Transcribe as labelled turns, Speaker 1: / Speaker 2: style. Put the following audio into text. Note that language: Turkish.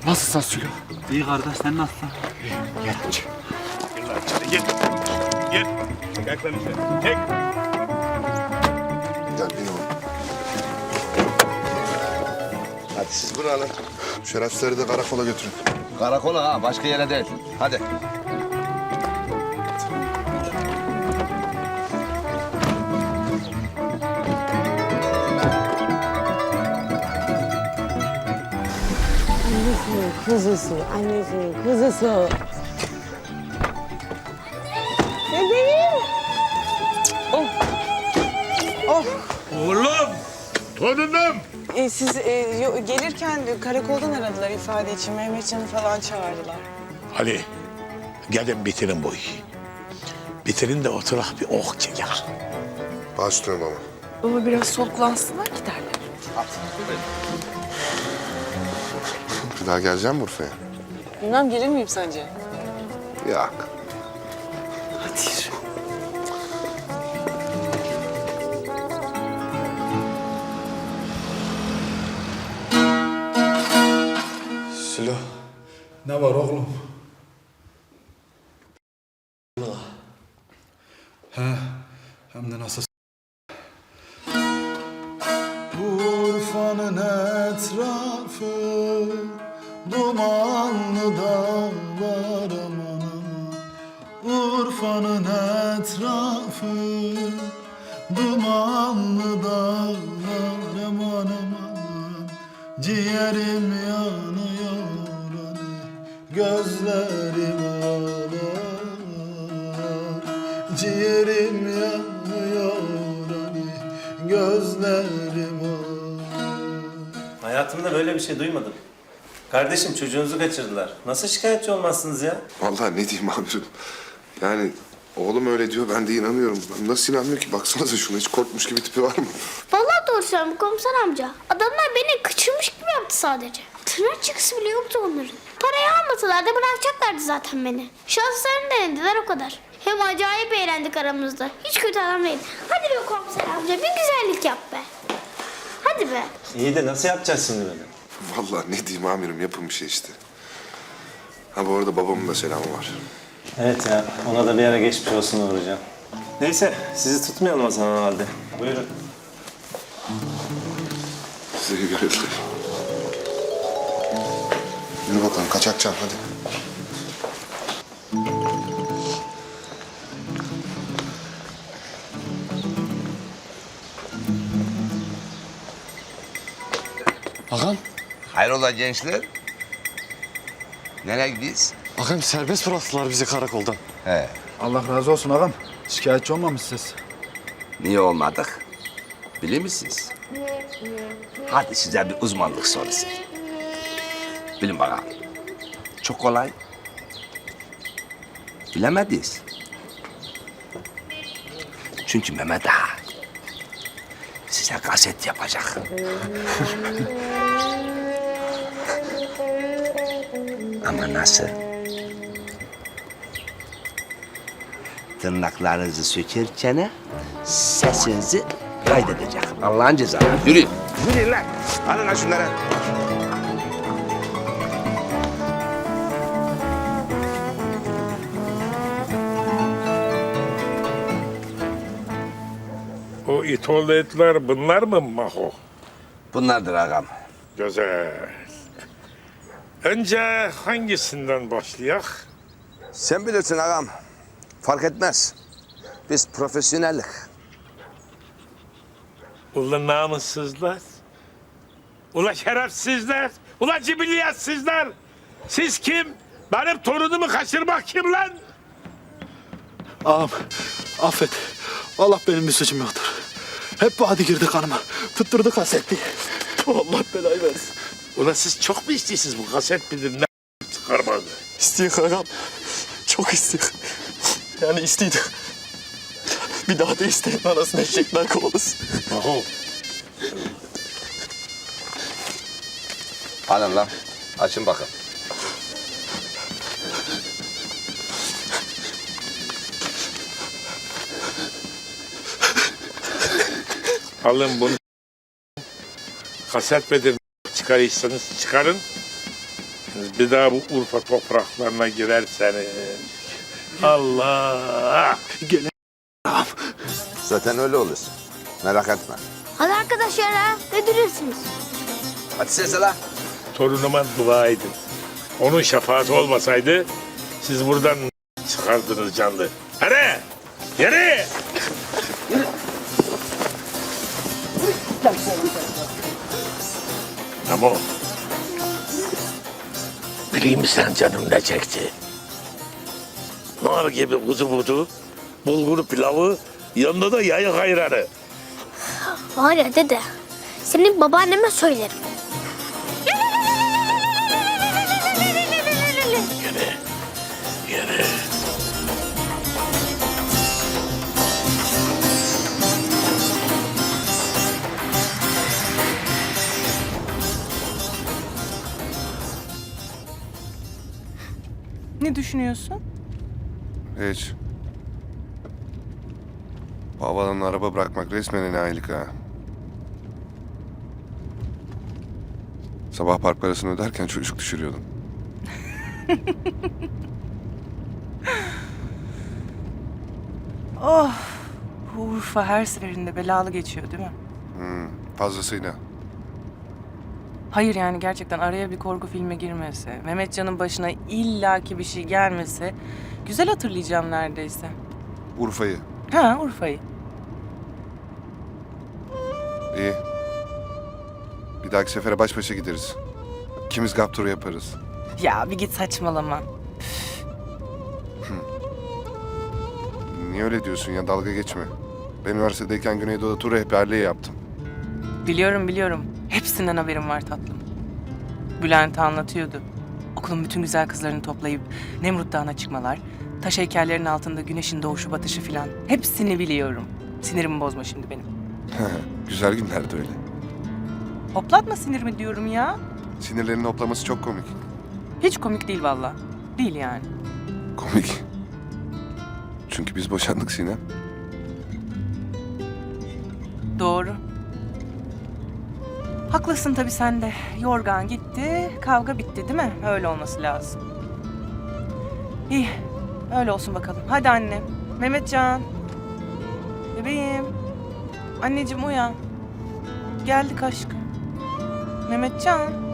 Speaker 1: Nasılsın Sülo?
Speaker 2: İyi kardeş, sen nasılsın?
Speaker 1: Gel aç.
Speaker 3: Gel lan içeri gel. Gel. Gel lan içeri. Çek.
Speaker 4: Gel bin oğlum. Hadi siz bunu alın. Şerefsizleri de karakola götürün.
Speaker 5: Karakola ha, başka yere değil. Hadi.
Speaker 6: Annesinin kuzusu, annesinin kuzusu. Bebeğim. Oh. Oh.
Speaker 3: Oğlum. Torunum.
Speaker 6: Siz gelirken karakoldan aradılar ifade için. Mehmetcan'ı falan çağırdılar.
Speaker 3: Ali, gelin bitirin bu işi. Bitirin de oturak bir oh çeker.
Speaker 4: Başlıyorum baba.
Speaker 6: Baba biraz soluklansınlar giderler.
Speaker 4: Bir daha geleceğim mi Urfa'ya?
Speaker 6: Bilmem gelir miyim sence?
Speaker 4: Yok.
Speaker 6: Hadi yürü.
Speaker 7: Sülo, ne var oğlum? He, hem de nasıl? Urfa'nın etrafı dumanlı dağlar aman aman. Urfa'nın etrafı dumanlı dağlar aman aman. Ciğerim yanıyor hani gözlerim ağlar. Ciğerim yanıyor hani gözlerim ağlar.
Speaker 8: Hayatımda böyle bir şey duymadım. Kardeşim çocuğunuzu kaçırdılar. Nasıl şikayetçi olmazsınız ya?
Speaker 4: Vallahi ne diyeyim amirim. Yani oğlum öyle diyor, ben de inanıyorum. Ben nasıl inanmıyor ki? Baksanıza şuna, hiç korkmuş gibi tipi var mı?
Speaker 9: Vallahi doğru söylüyorum komiser amca. Adamlar beni kaçırmış gibi yaptı sadece. Tırnak çıkısı bile yoktu onların. Parayı almasalar da bırakacaklardı zaten beni. Şanslarını denediler o kadar. Hem acayip eğlendik aramızda. Hiç kötü adam değil. Hadi be komiser amca bir güzellik yap be. Hadi be.
Speaker 8: İyi de nasıl yapacağız şimdi böyle?
Speaker 4: Vallahi ne diyeyim amirim, yapın bir şey işte. Ha bu arada babamın da selamı var.
Speaker 8: Evet ya, ona da bir ara geçmiş olsun uğrayacağım. Neyse, sizi tutmayalım o zaman o halde. Buyurun.
Speaker 4: Size iyi görevler. Yürü bakalım, kaçakcan hadi.
Speaker 1: Ağam,
Speaker 5: Hayrola gençler? Nereye gidiyoruz?
Speaker 1: ağam serbest bıraktılar bizi karakoldan.
Speaker 5: He.
Speaker 7: Allah razı olsun ağam. Şikayetçi olmamışsınız.
Speaker 5: Niye olmadık? Bilir misiniz? Hadi size bir uzmanlık sorusu. Bilin bakalım. Çok kolay. Bilemediniz. Çünkü Mehmet Ağa size kaset yapacak. Ama nasıl? Tırnaklarınızı sökerken sesinizi kaydedecek. Allah'ın cezası. Yürüyün. Yürüyün lan. Alın lan şunları.
Speaker 3: O itoğlu etler bunlar mı Maho?
Speaker 5: Bunlardır ağam.
Speaker 3: Güzel. Önce hangisinden başlayak?
Speaker 5: Sen bilirsin ağam. Fark etmez. Biz profesyonellik.
Speaker 3: Ulan namussuzlar. Ulan şerefsizler. Ulan cibilliyatsizler. Siz kim? Benim torunumu kaçırmak kim lan?
Speaker 7: Ağam, affet. Allah benim bir suçum yoktur. Hep bu hadi girdi kanıma. Tutturdu kasetti. Allah belayı versin.
Speaker 3: Ulan siz çok mu istiyorsunuz bu kaset midir ne çıkarmanı?
Speaker 7: İstiyor ağam. Çok istiyor. Yani istiydi. Bir daha da isteyin anasını eşekler kovalasın.
Speaker 3: Maho.
Speaker 5: Alın lan. Açın bakın.
Speaker 3: Alın bunu. Kaset midir çıkarırsanız çıkarın. göreceksiniz. Bir daha bu Urfa topraklarına girerseniz. Allah!
Speaker 7: Gele ağam.
Speaker 5: Zaten öyle olursun. Merak etme.
Speaker 9: Hadi arkadaşlar ha. Ne duruyorsunuz?
Speaker 5: Hadi sesle la.
Speaker 3: Torunuma dua edin. Onun şefaati olmasaydı siz buradan çıkardınız canlı. Hadi! Yürü! Ama bileyim mi sen canım ne çekti? Nar gibi kuzu budu, bulgur pilavı, yanında da yayık ayranı.
Speaker 9: Var ya dede. Senin babaanneme söylerim.
Speaker 3: Yürü.
Speaker 6: Ne düşünüyorsun?
Speaker 4: Hiç. Bu havalanın araba bırakmak resmen enayilik ha. Sabah park parasını öderken çocuk düşürüyordum.
Speaker 6: Oh, bu Urfa her seferinde belalı geçiyor değil mi?
Speaker 4: Fazlasıyla.
Speaker 6: Hayır yani gerçekten araya bir korku filme girmese, Mehmetcan'ın başına illaki bir şey gelmese güzel hatırlayacağım neredeyse.
Speaker 4: Urfa'yı.
Speaker 6: Ha, Urfa'yı.
Speaker 4: İyi. Bir dahaki sefere baş başa gideriz. İkimiz gap turu yaparız.
Speaker 6: Ya bir git saçmalama.
Speaker 4: Niye öyle diyorsun ya, dalga geçme. Ben üniversitedeyken Güneydoğu'da tur rehberliği yaptım.
Speaker 6: Biliyorum. Hepsinden haberim var tatlım. Bülent anlatıyordu. Okulun bütün güzel kızlarını toplayıp Nemrut Dağı'na çıkmalar, taş heykellerin altında güneşin doğuşu batışı filan. Hepsini biliyorum. Sinirimi bozma şimdi benim.
Speaker 4: Güzel günlerdi öyle.
Speaker 6: Hoplatma sinirimi diyorum ya.
Speaker 4: Sinirlerinin hoplaması çok komik.
Speaker 6: Hiç komik değil vallahi. Değil yani.
Speaker 4: Komik. Çünkü biz boşandık Sinem.
Speaker 6: Doğru. Haklısın tabii sen de. Yorgan gitti, kavga bitti değil mi? Öyle olması lazım. İyi, öyle olsun bakalım. Hadi annem. Mehmetcan. Bebeğim. Anneciğim uyan. Geldik aşkım. Mehmetcan.